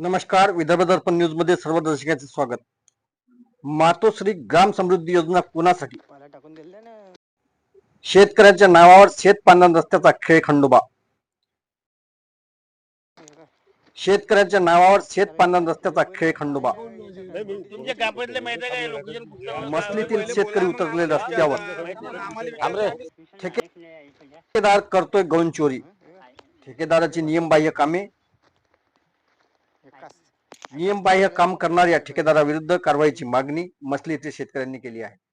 नमस्कार. विदर्भ दर्पण न्यूज मध्ये सर्व दर्शकांचे स्वागत. मातोश्री ग्राम समृद्धी योजना कोणासाठी? शेतकऱ्यांच्या नावावर शेत पांढरण रस्त्याचा खेळ खंडोबा. शेतकऱ्यांच्या नावावर शेत पांढरण रस्त्याचा खेळ खंडोबा. मसलीतील शेतकरी उतरले रस्त्यावर. ठेकेदार करतोय गौण चोरी. ठेकेदाराची नियमबाह्य कामे. नियमबाह्य काम करणाऱ्या ठेकेदाराविरुद्ध कारवाईची मागणी मसली येथील शेतकऱ्यांनी केली आहे.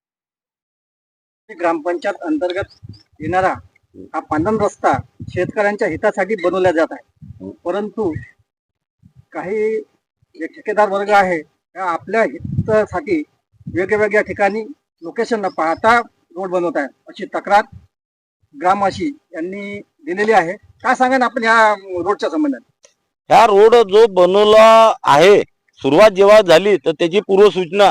ग्रामपंचायत अंतर्गत येणारा हा पांढरण रस्ता शेतकऱ्यांच्या हितासाठी बनवला जात आहे, परंतु काही जे ठेकेदार वर्ग आहे त्या आपल्या हितासाठी वेगवेगळ्या ठिकाणी लोकेशन न पाहता रोड बनवत आहे, अशी तक्रार ग्रामवासी यांनी दिलेली आहे. काय सांगा आपण या रोडच्या संबंधात? ह्या रोड जो बनवला आहे, सुरुवात जेव्हा झाली तर त्याची पूर्वसूचना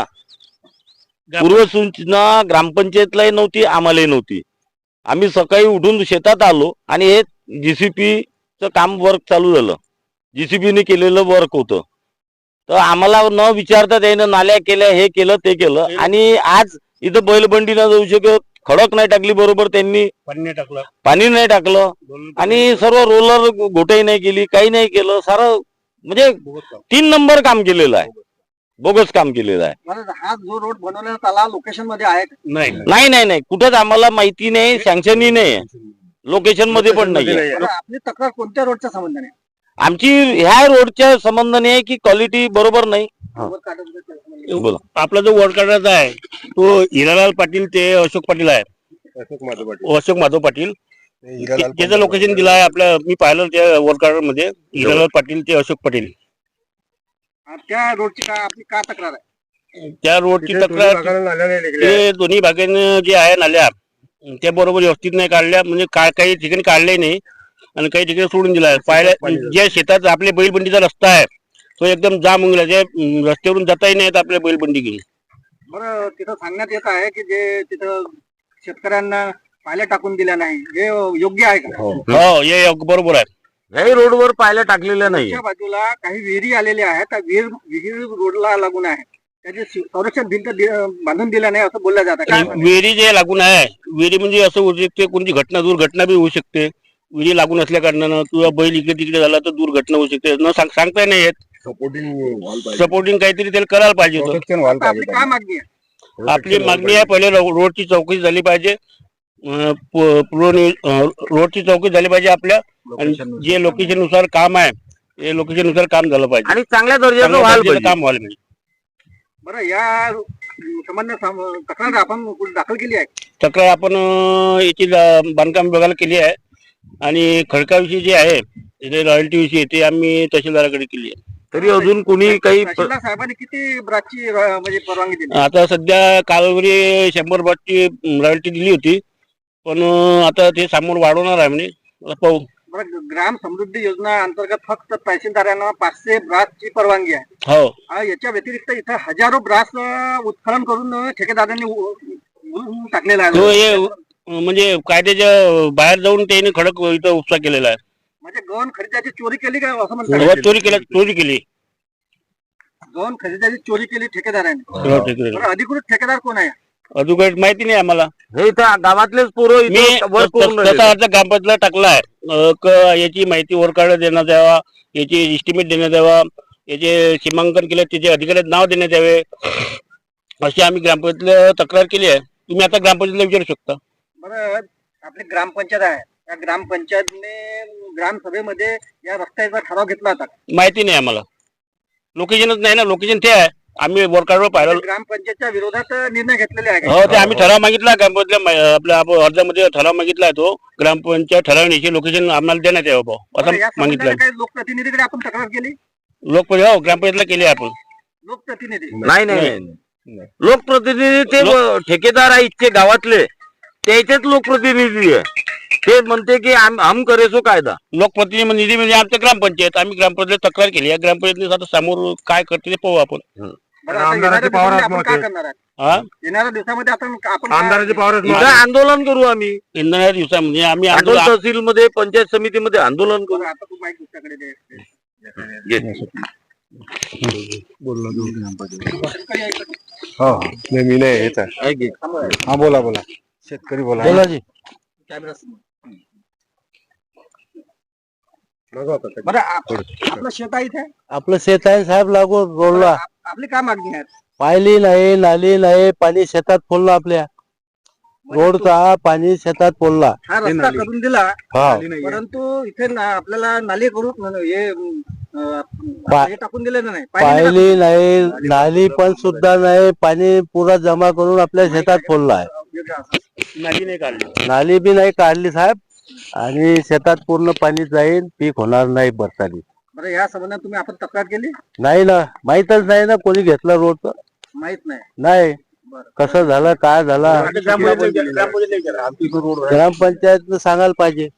ग्रामपंचायतलाही नव्हती, आम्हालाही नव्हती. आम्ही सकाळी उठून शेतात आलो आणि हे जीसीपीचं काम वर्क चालू झालं. जीसीपीने केलेलं वर्क होतं, तर आम्हाला न विचारता त्यानं नाल्या केल्या, हे केलं ते केलं. आणि आज इथं बैलबंडीनं जाऊ शकत, खडक नाही टाकली बरोबर, त्यांनी पाणी नाही टाकलं आणि सर्व रोलर घोटाई नाही केली, काही नाही केलं. सारं म्हणजे 3 नंबर काम केलेलं आहे, बोगस काम केलेलं आहे. हा जो रोड बनवण्यात आला लोकेशन मध्ये आहे? नाही, कुठंच आम्हाला माहिती नाही, सँक्शनही नाही, लोकेशन मध्ये पण नाही. आपली तक्रार कोणत्या रोडच्या संबंधाने? आमची ह्या रोडच्या संबंधाने आहे की क्वालिटी बरोबर नाही. आपला जो वर्ड काढायचा आहे तो हिरालाल पाटील ते अशोक पाटील आहे, अशोक माधव पाटील. त्याचं लोकेशन दिलं आहे आपल्या, मी पाहिलं त्या वर्ड कार्ड मध्ये हिरालाल पाटील ते अशोक पाटील. त्या रोडची आपली काय तक्रार आहे? त्या रोडची तक्रार ते दोन्ही भागाने जे आहे नाल्या त्या बरोबर व्यवस्थित नाही काढल्या, म्हणजे काही ठिकाणी काढले नाही आणि काही ठिकाणी सोडून दिला आहे. पाहिल्या ज्या शेतात आपल्या बैलबंडीचा रस्ता आहे तो एकदम जाम होऊन गेला, रस्त्यावरून जाताही नाहीत आपल्या बैलबंडी घेऊन. बरं, तिथं सांगण्यात येत आहे की जे तिथं शेतकऱ्यांना पायल्या टाकून दिल्या नाही, हे योग्य आहे का? हो, हे बरोबर आहे. ह्याही रोडवर पायल्या टाकलेल्या नाही. त्या बाजूला काही विहिरी आलेल्या आहेत, त्या विहीर रोडला लागून आहे, त्याचे संरक्षण भिंत बांधून दिल्या नाही असं बोललं जातं. काय विहिरी जे लागून आहे, विहिरी म्हणजे असं होऊ शकते, कोणती दुर्घटना बी होऊ शकते. विहिरी लागून असल्या कारणानं किंवा बैल इकडे तिकडे झाला तर दुर्घटना होऊ शकते. न सांगता नाही येत. सपोर्टिंग काहीतरी त्याला करायला पाहिजे होतं. आपली काय मागणी आहे? आपली मागणी आहे, पहिले रोडची चौकशी झाली पाहिजे, रोडची चौकशी झाली पाहिजे आपल्या, आणि जे लोकेशन नुसार काम आहे ते लोकेशन नुसार काम झालं पाहिजे आणि चांगल्या दर्जाचं काम व्हायला पाहिजे. बरं, या संबंधात तक्रार आपण दाखल केली आहे? तक्रार आपण याची बांधकाम विभागाला केली आहे आणि खडकाविषयी जे आहे रॉयल्टी विषयी ते आम्ही तहसीलदाराकडे केली आहे. तरी अजून कोणी काही तहसीलदार साहेबांनी किती ब्राची म्हणजे परवानगी दिली? आता सध्या कालवरी 100 ब्राची रॉयल्टी दिली होती, पण आता ते समोर वाढवणार आहे म्हणे, पाहू. ग्राम समृद्धी योजना अंतर्गत फक्त तहसीलदारांना 500 ब्रासची परवानगी आहे. हो, याच्या व्यतिरिक्त इथं हजारो ब्रास उत्खनन करून ठेकेदारांनी टाकलेला आहे. तो हे म्हणजे कायद्याच्या बाहेर जाऊन त्याने खडक इथं उपसा केलेला आहे. म्हणजे गहन खरेदीची चोरी केली का असं म्हणतात? चोरी केली गहन खरेदीची चोरी केली ठेकेदारांनी. अधिकृत ठेकेदार कोण आहे? अधिकृत माहिती नाही आम्हाला. हे इथं गावातलेच पोरं मी तसा अर्ज ग्रामपंचायतला टाकला आहे, याची माहिती वर्कार्ड देण्यात यावा, याची एस्टिमेट देण्यात यावा, याचे सीमांकन केले त्याचे अधिकाऱ्यात नाव देण्यात यावे, अशी आम्ही ग्रामपंचायतला तक्रार केली आहे. तुम्ही आता ग्रामपंचायतला विचारू शकता. बरं, आपली ग्रामपंचायत आहे, त्या ग्रामपंचायतने ग्रामसभेमध्ये या रस्त्याचा ठराव घेतला होता? माहिती नाही आम्हाला, लोकेशनच नाही ना. लोकेशन ते आहे, आम्ही वर्कार्डवर पाहिलं. ग्रामपंचायतच्या विरोधात निर्णय घेतलेले आहे? हो, ते आम्ही ठराव मागितला ग्रामपंचायतला, आपल्या अर्जामध्ये ठराव मागितला आहे. तो ग्रामपंचायत ठरावण्याची लोकेशन आम्हाला देण्यात यावं असं मागितलं. काही लोकप्रतिनिधीकडे आपण तक्रार केली? हो, ग्रामपंचायतला केली आपण. लोकप्रतिनिधी नाही, लोकप्रतिनिधी ते ठेकेदार आहे इथचे गावातले, त्याचेच लोकप्रतिनिधी आहे. ते म्हणते की हम करे सो कायदा. लोकप्रतिनिधी म्हणजे आमचं ग्रामपंचायत, आम्ही ग्रामपंचायत तक्रार केली आहे. ग्रामपंचायत आता समोर काय करते ते पाहू आपण. येणाऱ्या दिवसामध्ये आपण आंदोलन करू आम्ही. येणाऱ्या दिवसामध्ये आम्ही तहसील मध्ये पंचायत समितीमध्ये आंदोलन करू. आता तू माहिती दुसऱ्याकडे दे. मी नाही येत आहे. हा बोला बोला शेतकरी बोला. बोला जी. कॅमेरा समोर. बरं आपलं शेत आहे इथे. आपलं शेत आहे साहेब लागून रोडला. आपली काय मागणी आहे? पायली नाही, नाली नाही, पाणी शेतात फोडलं आपल्या. रोडचा पाणी शेतात फोडला. हा रस्ता करून दिला, हा. परंतु इथे आपल्याला नाली करून हे टाकून दिले नाही. पायली नाही, नाली पण सुद्धा नाही, पाणी पुरा जमा करून आपल्या शेतात फोडला आहे. नाली नाही काढली. नाली बी नाही काढली साहेब, आणि शेतात पूर्ण पाणी जाईल, पीक होणार नाही बरसाली. बरं या संबंधात तुम्ही आपण तक्रार केली? नाही ना, माहीतच नाही ना कोणी घेतलं रोड. माहित नाही. नाही कसं झालं काय झालं ग्रामपंचायत सांगायला पाहिजे.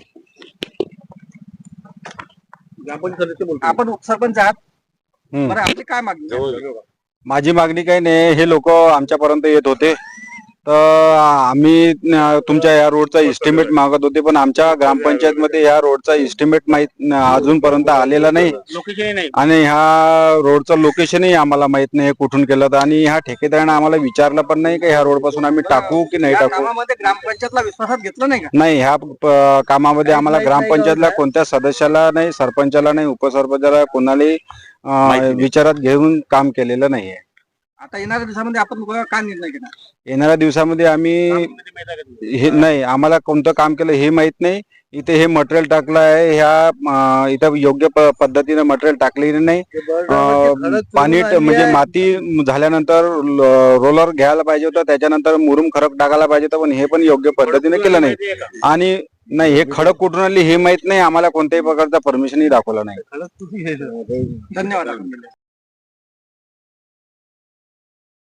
आपण उपसरपंच आहात. बरं आपली काय मागणी आहे? माझी मागणी काही नाही. हे लोक आमच्यापर्यंत येत होते तर आम्ही तुमच्या या रोडचा इस्टिमेट मागत होते, पण आमच्या ग्रामपंचायत मध्ये या रोडचा इस्टिमेट माहित अजूनपर्यंत आलेला नाही. लोकेशन नाही. आणि ह्या रोडचं लोकेशनही आम्हाला माहित नाही कुठून केलं तर. आणि ह्या ठेकेदाराने आम्हाला विचारलं पण नाही की ह्या रोड पासून आम्ही टाकू की नाही या टाकू. कामामध्ये ग्रामपंचायतला विश्वासात घेतलं नाही का? नाही, ह्या कामामध्ये आम्हाला ग्रामपंचायतला कोणत्या सदस्याला नाही, सरपंचाला नाही, उपसरपंचाला कोणालाही विचारात घेऊन काम केलेलं नाहीये. आता येणाऱ्या दिवसामध्ये आपण काय निर्णय घेणार? येणाऱ्या दिवसामध्ये आम्ही हे नाही, आम्हाला कोणतं काम केलं हे माहित नाही. इथे हे मटेरियल टाकलं आहे, ह्या इथं योग्य पद्धतीने मटेरियल टाकलेले नाही. पाणी म्हणजे माती झाल्यानंतर रोलर घ्यायला पाहिजे होतं, त्याच्यानंतर मुरुम खडक टाकायला पाहिजे होतं, पण हे पण योग्य पद्धतीने केलं नाही. आणि नाही, हे खडक कुठून आली हे माहित नाही. आम्हाला कोणत्याही प्रकारचा परमिशनही दाखवला नाही. धन्यवाद.